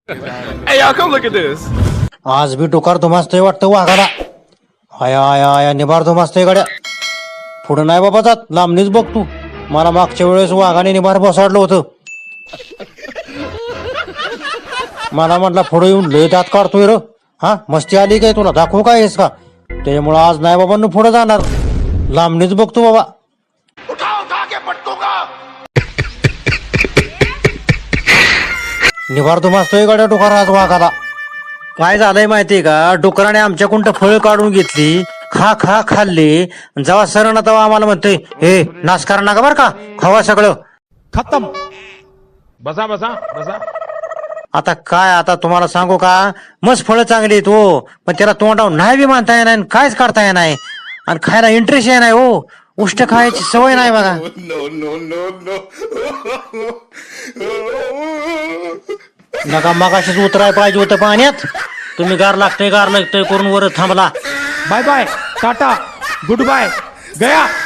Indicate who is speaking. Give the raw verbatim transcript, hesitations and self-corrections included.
Speaker 1: Hey, y'all, come look at this.
Speaker 2: आज बी डोकार धुमासतोय वाटतं वाघाला. आया आया आया निभार धुमासतोय गाड्या. पुढं नाही बाबा जात, लांबणीच बघ तू. मला मागच्या वेळेस वाघाने निभार बसाडलं होतं. मला म्हटलं पुढे येऊन लय दात काढतोय र. हा मस्ती आली काय तुला, दाखवू काय हेस का? त्यामुळं आज नाही बाबा पुढे जाणार, लांबणीच बघतो बाबा. निभार धुमासतोय गाड्या डोकार आज वाघाला. काय झालंय माहितीये का, डुकराने आमच्याकडून फळ काढून घेतली, खा खा खाल्ली. जेव्हा सरण तेव्हा आम्हाला म्हणतोय, हे नाश करा नका बरं का, खावा सगळं
Speaker 3: खत्म. बसा बसा बसा.
Speaker 2: आता काय, आता तुम्हाला सांगू का, मस्त फळं चांगली आहेत हो, पण त्याला तोंडावर नाही बी मानता येणार, कायच करता येणार, आणि खायला इंटरेस्ट आहे नाही हो. उष्ट खायची सवय नाही बघा. नका मगाशीच उतराय पाहिजे होतं पाण्यात. तुम्ही गार लागतंय गार लागतंय करून वर थांबला.
Speaker 3: Bye bye, tata, good bye, गया.